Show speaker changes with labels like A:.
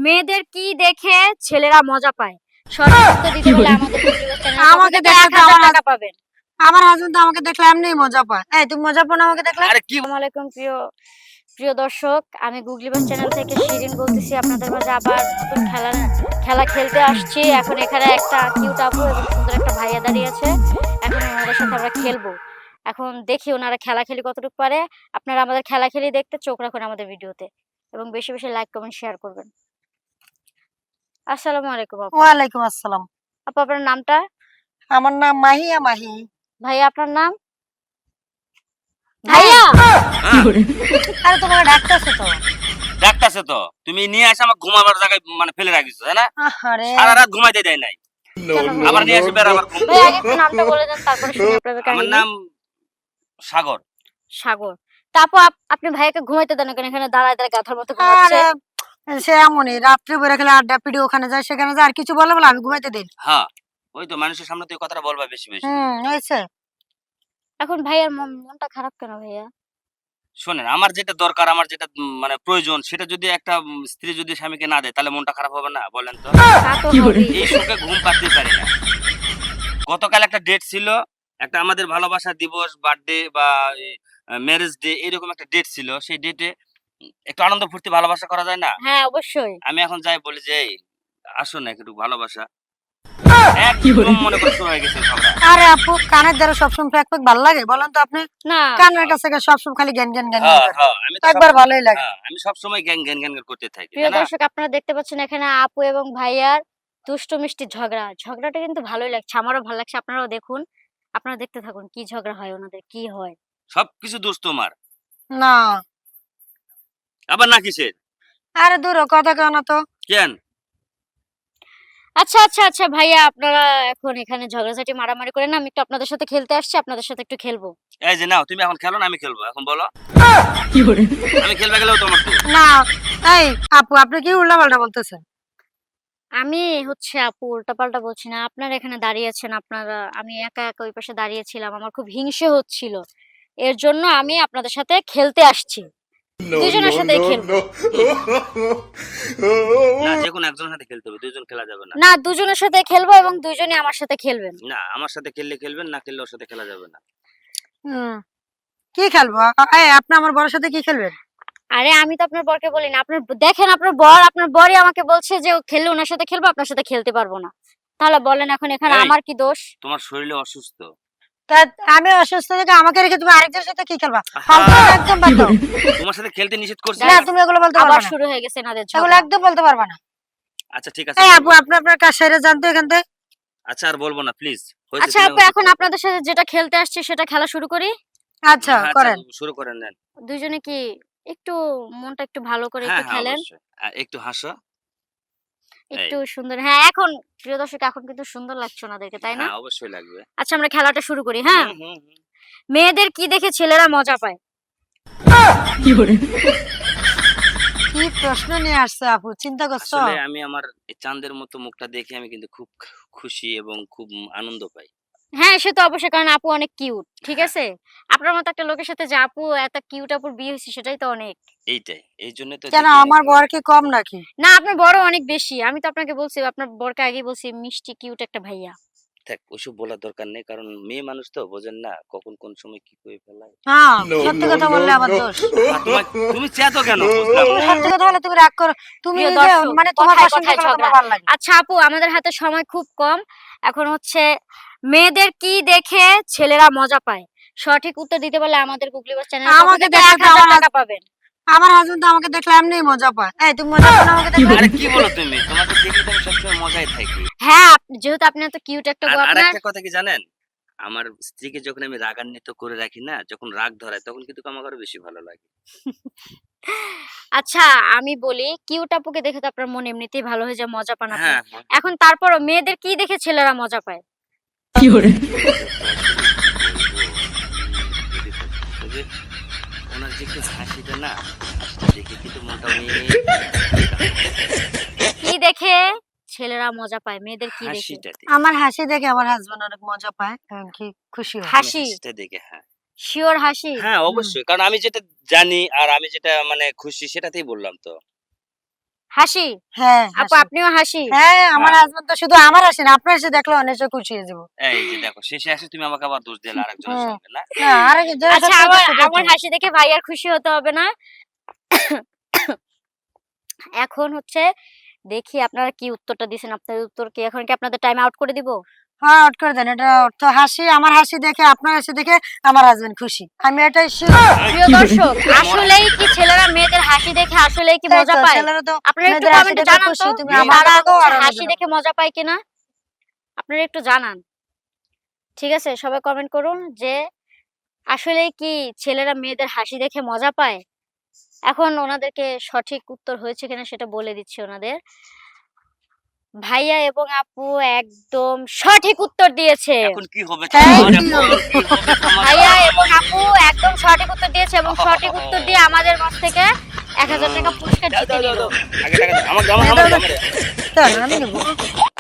A: মেয়েদের কি দেখে ছেলেরা মজা পায়? সঠিক উত্তর দিতে হলে আমাদের
B: আমাকে
A: চ্যানেলে
B: দেখলে তো আমার
A: 1000 টাকা পাবেন।
B: আমার হাজবেন্ড আমাকে দেখলে এমনিই মজা পায়। এই তুমি মজা পাও না আমাকে দেখলে?
C: আরে কি
A: আসসালামু আলাইকুম প্রিয় দর্শক, আমি গুগলিবাস চ্যানেল থেকে শিরিন বলতেছি। আপনাদের মাঝে আবার নতুন খেলা খেলতে আসছি। এখন এখানে একটা কিউট আপু এবং সুন্দর একটা ভাইয়া দাঁড়িয়ে আছে। এখন ওনাদের সাথে আমরা খেলবো। এখন দেখি ওনারা খেলাখেলি কতটুকু পারে। আপনারা আমাদের খেলাখেলি দেখতে চোখ রাখুন আমাদের ভিডিওতে এবং বেশি বেশি লাইক কমেন্ট শেয়ার করবেন। আসসালামু আলাইকুম আপু।
B: ওয়ালাইকুম আসসালাম।
A: আপু আপনার নামটা?
B: আমার নাম মাহিয়া মাহি।
A: ভাইয়া আপনার নাম? ভাইয়া
B: আরে তোমাকে ডাকতেছে তো।
C: ডাকতাছে তো, তুমি নিয়ে আসে আমার ঘুমাবার জায়গায় মানে ফেলে রাখিছো, তাই না?
B: আরে
C: সারা রাত ঘুমাইতে দেয় নাই,
A: কেন ভাইয়া?
C: আবার নিয়ে আসে বের আবার
A: ভাই আগে একটু নামটা বলে দেন, তারপরে শুনি আপনাদের
C: আমার
A: কাহিনী।
C: নাম সাগর।
A: সাগর। তা আপু আপনি ভাইয়াকে ঘুমাইতে দেন কেন? এখানে দাঁড়ায় দাঁড়ায় গাধার মতো ঘুমাচ্ছে।
B: আরে সে এমনই রাত্রে বের খেলে আড্ডা পিডি ওখানে যায় সেখানে যায় আর কিছু বলে বলে আমি ঘুমাইতে দিই।
C: হ্যাঁ, ওই তো মানুষের সামনে তুই কথাটা বলবা বেশি বেশি।
B: হয়েছে।
A: এখন ভাইয়ার মনটা খারাপ কেন ভাইয়া?
C: শোনেন, আমার যেটা দরকার, আমার যেটা মানে প্রয়োজন, সেটা যদি একটা স্ত্রী যদি স্বামীকে না দেয় তাহলে মনটা খারাপ হবে না বলেন তো?
A: তা তো হবেই।
C: এই শোকে ঘুম পাড়তে পারি না। গতকাল একটা ডেট ছিল, একটা আমাদের ভালোবাসা দিবস, বার্থডে বা ম্যারেজ ডে, এরকম একটা ডেট ছিল। সেই ডেটে একটু আনন্দ ফুর্তি ভালোবাসা করা যায় না?
A: হ্যাঁ অবশ্যই।
C: আমি এখন যাই বলি যে, "এই আসো না একটু ভালোবাসা।" একদম মনে করে শুরু হয়ে গেছে ঝগড়া।
B: আরে আপু কানের দ্বারা সবসময় ফ্যাক ফ্যাক ভালো লাগে বলেন তো আপনি?
A: না
B: কানের কাছে সবসময় খালি জ্ঞান জ্ঞান জ্ঞান
C: হ্যাঁ,
B: করে।
C: হ্যাঁ, আমি তো
B: একবার ভালোই লাগে।
C: আমি সবসময় গ্যাং গ্যাং গ্যাং করতে থাকি,
A: প্রিয়
C: তাই না?
A: দর্শক, আপনারা দেখতে পাচ্ছেন এখানে আপু এবং ভাইয়ার দুষ্টু মিষ্টি ঝগড়াটা কিন্তু ভালোই লাগছে, আমারও ভালো লাগছে। আপনারাও দেখুন, আপনারা দেখতে থাকুন কি ঝগড়া হয়, ওনাদের কি হয়।
C: সবকিছু দোষ তোমার।
B: না
C: আবার না কিসের?
B: আরে দূর হ, কথা কেন তো।
C: কেন?
A: আচ্ছা আচ্ছা আচ্ছা ভাইয়া, আপনারা এখন এখানে ঝগড়াঝাটি মারামারি করেন না। আমি একটু আপনাদের সাথে খেলতে আসছি, আপনাদের সাথে একটু খেলবো।
C: এই যে নাও, তুমি এখন খেলো না আমি খেলবো? এখন বলো। আমি খেলবে গেলেও তোমার তো।
B: না এই আপু আপনি কি উল্টা পাল্টা বলতেছেন?
A: আমি হচ্ছে আপু উল্টাপাল্টা বলছি না। আপনারা এখানে দাঁড়িয়ে আছেন, আমি একা একা ওই পাশে দাঁড়িয়েছিলাম। আমার খুব হিংসে হচ্ছিল। এর জন্য আমি আপনাদের সাথে খেলতে আসছি। দুজনের সাথেই খেলবো।
C: না, যেকোনো একজনের সাথে খেলতে হবে, দুইজন খেলা যাবে না।
A: না, দুজনের সাথে খেলবো এবং দুজনই আমার সাথে খেলবেন।
C: না, আমার সাথে খেললে খেলবেন, না খেললে ওর সাথে খেলা যাবে না।
B: হুম, কি খেলবো? এই আপনি আমার বড়ের সাথে কি খেলবেন?
A: আরে আমি তো আপনার বরকে বলি না। আপনার দেখেন, আপনার বরই আমাকে বলছে যে ও খেললে ওনার সাথে খেলবো, আপনার সাথে খেলতে পারবো না। তাহলে বলেন এখন এখানে
C: এই,
A: আমার কি দোষ?
C: তোমার শরীরে অসুস্থ।
B: তা আমি অসুস্থ থেকে আমাকে রেখে তুমি আরেকজনের সাথে কি খেলবা?
C: আহা,
B: ফালতু একদম বাদ দাও।
C: তোমার সাথে খেলতে নিষেধ করছি
B: না
C: না?
B: তুমি এগুলো বলতে
A: আবার
B: পারবা না।
A: শুরু হয়ে গেছে এনাদের
B: এগুলো
A: ঝগড়া।
B: একদম বলতে পারবা না।
C: আচ্ছা ঠিক আছে,
B: এই
C: বলবো
B: আপু
C: না।
B: আপনি আপনার কাজ সেরে জানতো এখান থেকে।
C: আচ্ছা আর বলবো না প্লিজ। হয়েছে,
A: আচ্ছা
C: তুমি
A: আপু,
C: চুপ
A: এখন
C: থাকো।
A: আপনাদের সাথে যেটা খেলতে আসছি সেটা খেলা শুরু করি।
B: আচ্ছা
C: হ্যাঁ,
B: করেন।
C: শুরু করেন নেন।
A: দুইজনে কি একটু মনটা একটু ভালো করে
C: হ্যাঁ
A: একটু
C: হ্যাঁ,
A: খেলেন,
C: অবশ্যই। একটু হাসো। এই,
A: একটু সুন্দর। হ্যাঁ এখন প্রিয় দর্শক, এখন কিন্তু সুন্দর লাগছে ওনাদেরকে, তাই না?
C: হ্যাঁ অবশ্যই লাগবে।
A: আচ্ছা আমরা খেলাটা শুরু করি। হ্যাঁ,
C: হুম হুম হুম।
A: মেয়েদের কি দেখে ছেলেরা মজা পায়?
B: কি প্রশ্ন নিয়ে আসছে আপু, চিন্তা করছো?
C: আসলে আমি আমার এই চাঁদের মতো মুখটা দেখে আমি কিন্তু খুব খুশি এবং খুব আনন্দ পাই।
A: হ্যাঁ সে তো অবশ্যই, কারণ আপু অনেক কিউট, ঠিক
C: হ্যাঁ,
A: আছে? আপনার মতো একটা লোকের সাথে যে আপু এত কিউট আপুর বিয়ে হয়েছে, সেটাই তো অনেক।
C: এইটাই। এই জন্য তো
B: কেন
C: দেখি
B: আমার বর কি কম নাকি?
A: না, আপনার বড় অনেক বেশি। আমি তো আপনাকে বলছি, আপনার বরকে আগেই বলছি মিষ্টি কিউট একটা ভাইয়া।
C: থাক, ওইসব বলার দরকার নেই, কারণ মেয়ে মানুষ তো বোঝেন না কখন কোন সময় কি করে ফেলায়।
B: হ্যাঁ সত্যি কথা বললে আমার দোষ।
C: তুমি চেতো কেন বুঝলাম
B: তুমি
C: না।
B: সত্যি কথা বলে তুমি রাগ করো। তুমি
A: প্রিয়
B: নিজে
A: দর্শক,
B: মানে তোমার
A: কথায়
B: পছন্দ
A: কথায়
B: করলে
A: ঝগড়া।
B: তোমার ভালো লাগে।
A: আচ্ছা আপু, আমাদের হাতে সময় খুব কম। এখন হচ্ছে মেয়েদের কি দেখে ছেলেরা মজা পায়? সঠিক উত্তর দিতে পারলে আমাদের গুগলি বাস চ্যানেলের পক্ষ
B: আমাকে
A: থেকে
B: দেখলে তো
A: 1000
B: আমার
A: টাকা পাবেন।
B: আমার হাজবেন্ড তো আমাকে দেখলে এমনিই মজা পায়। এই তুমি মজা পাও না আমাকে দেখলে?
C: আরে কি বলো তুমি? তোমাকে দেখলে তো আমি সবসময় মজায় থাকি।
A: হ্যাঁ, যেহেতু আপনি এত কিউট একটা
C: আর
A: বউ আপনার।
C: আরেকটা কথা কি জানেন? আমার স্ত্রীকে যখন আমি রাগান্বিত করে রাখি না, যখন রাগ ধরায় তখন কিন্তু আমার আরো বেশি ভালো লাগে।
A: আচ্ছা আমি বলি, কিউট আপুকে দেখে তো আপনার মন এমনিতেই ভালো হয়ে যায়, মজা পান আপনি।
C: হ্যাঁ, হ্যাঁ।
A: এখন তারপরও মেয়েদের কি দেখে ছেলেরা মজা পায়?
C: ওই যে ওনার যে একটু হাসিটা না, হাসিটা দেখে কিন্তু মনটা অনেক
A: কি দেখে ছেলেরা মজা পায়? মেয়েদের কি দেখে?
C: হাসিটা দেখে।
B: আমার হাসি দেখে আমার হাজবেন্ড অনেক মজা পায় এবং কি খুশি হয়।
A: হাসি?
C: হাসিটা দেখে, হ্যাঁ।
A: শিওর হাসি?
C: হ্যাঁ, অবশ্যই। কারণ আমি যেটা জানি আর আমি যেটা মানে খুশি সেটাতেই বললাম তো।
A: হাসি।
B: হ্যাঁ
A: আপু
B: হাসি।
A: আপনিও হাসি।
B: হ্যাঁ আমার হাজবেন্ড তো শুধু আমার হাসি না, আপনার হাসি দেখলে অনেক খুশি হয়ে যাবো।
C: এই যে দেখো শেষে আসে তুমি আমাকে আবার দোষ দিলে আরেকজনের
B: হুম।
C: সঙ্গে না।
B: না আরে
A: আচ্ছা আমার হাসি দেখে ভাইয়ার খুশি হতে হবে না। এখন হচ্ছে দেখি আপনারা কি উত্তরটা দিছেন। আপনাদের উত্তর কি এখন কি আপনাদের টাইম আউট করে দিব?
B: হ্যাঁ আউট করে দেন। এটা অর্থ হাসি, আমার হাসি দেখে আপনার হাসি দেখে আমার হাজবেন্ড খুশি, আমি এটাই sure।
A: প্রিয় দর্শক, আসলেই কি ছেলেরা মেয়েদের হাসি দেখে আসলেই কি
B: তাই
A: মজা
B: তো,
A: পায়?
B: ছেলেরা তো
A: আপনারা একটু
B: মেয়েদের হাসি
A: কমেন্টে
B: দেখে
A: জানান
B: খুশি,
A: তো
B: তুমি
A: যে
B: আমার
A: তারা
B: থেকেও আরো
A: হাসি
B: মজা
A: দেখে মজা পায় কিনা। আপনারা একটু জানান। ঠিক আছে, সবাই কমেন্ট করুন যে আসলেই কি ছেলেরা মেয়েদের হাসি দেখে মজা পায়। এখন ওনাদেরকে সঠিক উত্তর হয়েছে কিনা সেটা বলে দিচ্ছি ওনাদের। ভাইয়া এবং আপু একদম সঠিক উত্তর দিয়েছে।
C: এখন কি হবে
B: Thank
C: তোমার?
B: you.
C: এখন কি হবে তোমার?
A: ভাইয়া এবং আপু একদম সঠিক উত্তর দিয়েছে এবং সঠিক উত্তর দিয়ে আমাদের কাছ থেকে 1000 টাকা পুরস্কার জিতে নিল।
C: আগে টাকা দাও। আমাকে দাও, আমাকে দাও, আমাকে দাও।
B: দাও, আমি নেবো।